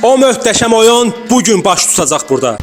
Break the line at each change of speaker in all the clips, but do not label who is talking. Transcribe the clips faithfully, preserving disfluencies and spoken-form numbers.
O möhtəşəm oyun bugün baş tutacaq burada.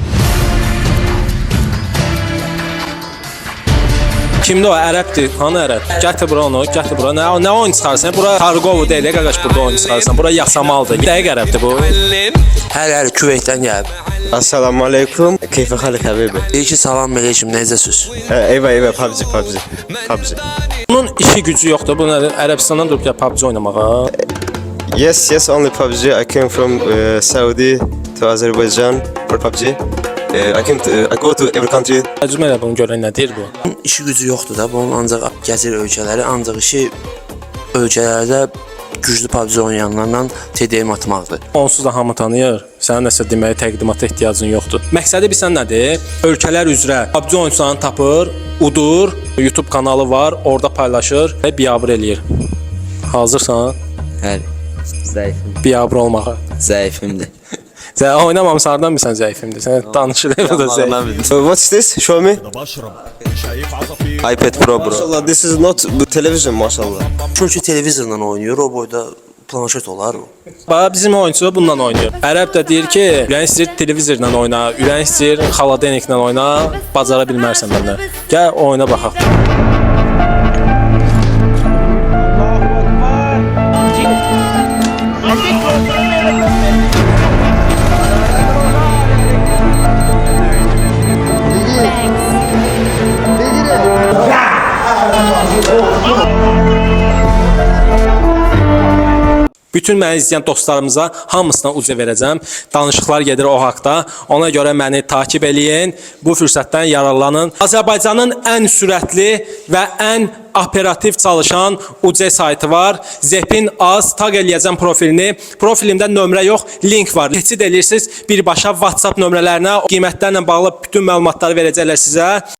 Kimdir o? Ərəbdir. Hanı ərəb? Gətir bura onu, gətir bura. Nə, nə oyun çıxarsan? Bura Targovu deyil, qardaş, burada oyun çıxarsan. Bura Yasamaldır. Dəqiq ərəbdir bu.
Hər hər Küveytdən gəlib.
Assalamu alaikum. Keyfe xalik həbibi.
Deyir ki, salam əleykum, necəsiz?
Eyvə, eyvə, P U B G, P U B G. P U B G.
Bunun işi gücü yoxdur. Bu nədir? Ərəbistandan durub ya P U B G oynamağa.
Yes, yes, only P U B G. I came from uh, Saudi to Azerbaijan for P U B G. Uh, I came to, uh, I go to every country.
Tərcümə elə bunu görən nə deyir bu?
Bunun işi gücü yoxdur da, bunun ancaq gəzir ölkələri, ancaq işi ölkələrdə güclü P U B G oynayanlarla T D M atmaqdır.
Onsuz da hamı tanıyır. Sənin nəsə deməyə təqdimata ehtiyacın yoxdur. Məqsədi bilsən nədir? Ölkələr üzrə P U B G oyunçularını tapır, udur, YouTube kanalı var, orada paylaşır və biabır eləyir. Hazırsan?
Bəli. Zəifim.
Biabır olmağa.
Zəifimdir.
Sən oynamamışsan, hardan bilsən zəifimdir? Sən danışır evdə zəif.
So what's this? Show me.
iPad Pro bro.
Maşallah, this is not the television, maşallah.
Çünki televizorla oynayır, o boyda planşet olar o.
Bax, bizim oyunçu bununla oynayır. Ərəb də deyir ki, ürəyin istəyir televizorla oyna, ürəyin istəyir xaladeniklə oyna, bacara bilmərsən məndən. Gəl oyuna baxaq. Bütün məni izləyən dostlarımıza hamısına uca verəcəm. Danışıqlar gedir o haqda. Ona görə məni takib eləyin. Bu fürsətdən yararlanın. Azərbaycanın ən sürətli və ən operativ çalışan U C saytı var. Zepin az tag eləyəcəm profilini. Profilimdə nömrə yox, link var. Keçid edirsiniz birbaşa WhatsApp nömrələrinə. Qiymətlərlə bağlı bütün məlumatları verəcəklər sizə.